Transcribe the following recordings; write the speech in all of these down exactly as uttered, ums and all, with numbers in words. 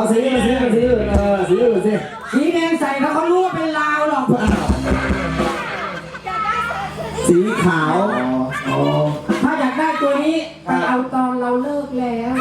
สีมาสีมาสีเออสีอื่นสิสีแดงใส่เขาเขารู้ว่าเป็นลาวหรอกสีขาวถ้าอยากได้ตัวนี้ไปเอาตอนเราเลิกแล้ว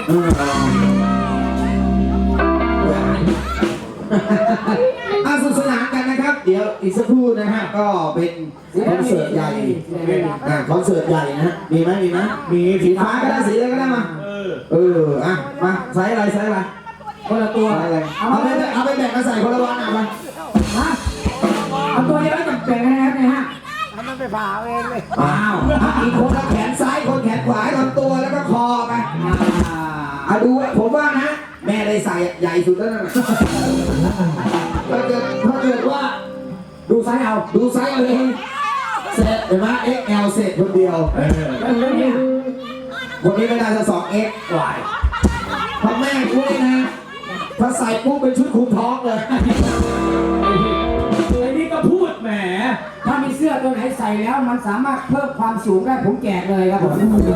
อาสุขสนานกันนะครับเดี๋ยวอีกสักครู่นะฮะก็เป็นคอนเสิร์ตใหญ่อ่าคอนเสิร์ตใหญ่นะฮะมีไหมมีไหมมีสีฟ้าก็ได้สีอะไรก็ได้มาเออเอออ่ะมาใส่อะไรใส่อะไรคนละตัวอะไรเอาไปเอาไปแบ่งมาใส่คนละวันอ่ะมาฮะเอาตัวเดียวจะแบ่งกันนะครับเนี่ยฮะมันไปผ่าเองเลยอ้าวอีกคนละแขนซ้ายคนแขนขวาลำตัวแล้วก็คอไปอ่าดูผมว่านะแม่ได้ใส่ใหญ่สุดแล้วนะถ้าเกิดถ้าเกิดว่าดูไซส์เอาดูไซส์เอาเองเสร็จเห็นไหม เอ็กซ์ แอล เสร็จคนเดียวคนนี้ไม่ได้จะสอง เอ็กซ์วายพ่อแม่กูเลยนะถ้าใส่ปุ๊บเป็นชุดคุมท้องเลยไอ้นี่ก็พูดแหมถ้ามีเสื้อตัวไหนใส่แล้วมันสามารถเพิ่มความสูงได้ผมแจกเลยครับผม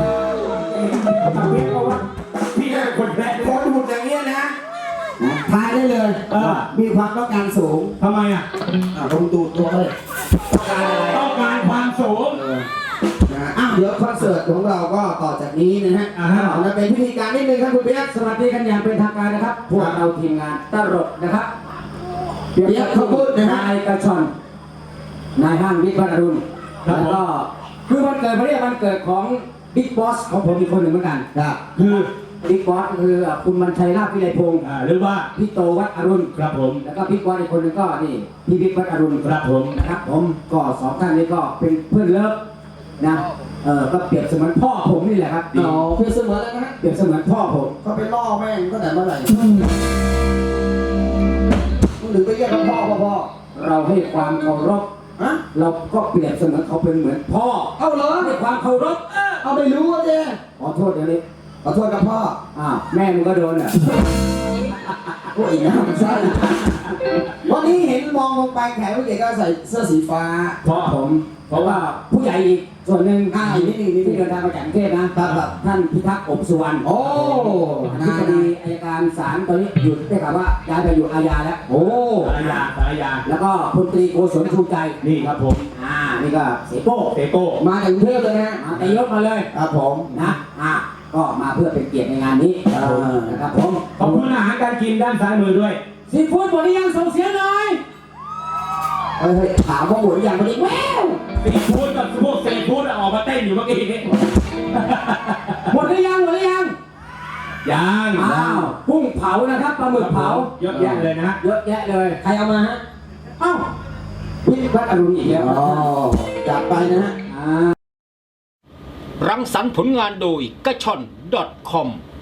พี่ได้คนแรกคนหุ่นอย่างเงี้ยนะทายได้เลยมีความต้องการสูงทำไมอ่ะลงตูดตัวเลยต้องการอะไรต้องการความสูงนะอ้าวเดี๋ยวคอนเสิร์ตของเราก็ต่อจากนี้นะฮะเราเป็นพิธีการนิดนึงครับคุณเปี๊ยกสวัสดีกันอย่างเป็นทางการนะครับพวกเราทีมงานตลกนะครับเปี๊ยกเขาพูดนะฮะนายกระชอนนายห้างบิ๊กบัตรอรุณแล้วก็คือวันเกิดวันนี้วันเกิดของบิ๊กบอสของผมอีกคนหนึ่งเหมือนกันคือบิ๊กบอสคือคุณมันชัยลาภวิไลพงศ์หรือว่าพี่โตวัดอรุณครับผมแล้วก็บิ๊กบอสอีกคนหนึ่งก็นี่พี่บิ๊กวัดอรุณครับผมนะครับผมก็สองท่านนี้ก็เป็นเพื่อนเลิฟนะเออก็เปรียบเสมือนพ่อผมนี่แหละครับอ๋อเปรียบเสมือนแล้วนะเปรียบเสมือนพ่อผมเขาไปล่อแม่งตั้งแต่เมื่อไหร่มึงถึงไปเรียกเขาพ่อพ่อเราให้ความเคารพเราก็เปรียบเสมือนเขาเป็นเหมือนพ่อเอาเหรอให้ความเคารพเอาไม่รู้อ่ะเจ๊ขอโทษเดี๋ยวนี้ขอโทษกับพ่ออ้าวแม่มึงก็โดนอ่ะโอ้ยนะใช่วันนี้เห็นมองลงไปแขกผู้ใหญ่ก็ใส่เสื้อสีฟ้าเพราะผมเพราะว่าผู้ใหญ่อีกส่วนหนึ่งอ่าอีกนิดนึงนิดนึที่งเดินทางมาจากกรุงเทพนะครับท่านพิทักษ์อบสุวรรณโอ้ที่คดีอัยการศาลตอนนี้หยุดได้ข่าวว่าย้ายไปอยู่อาญาแล้วโอ้อาญาอาญาแล้วก็พลตรีโกศลชูใจนี่ครับผมอ่านี่ก็เสโก้เสโก้มาจากกรุงเทพเลยนะมาแต่ยกมาเลยครับผมนะอ่าก็มาเพื่อเป็นเกียรติในงานนี้นะครับผมขอบคุณอาหารการกินด้านซ้ายมือด้วยซีฟู้ดหมดหรือยังส่งเสียงหน่อยเฮ้ยถามว่าหมดหรือยังวันนี้แววซีฟู้ดกับพวกซีฟู้ดออกมาเต้นอยู่เมื่อกี้นี้หมดหรือยังหมดหรือยังยังอ้าวกุ้งเผานะครับปลาหมึกเผาเยอะแยะเลยนะเยอะแยะเลยใครเอามาฮะอ้าวพี่วัดอรุณอีกแล้วอ๋อจัดไปนะฮะรังสรรค์ผลงานโดยกระชอน .com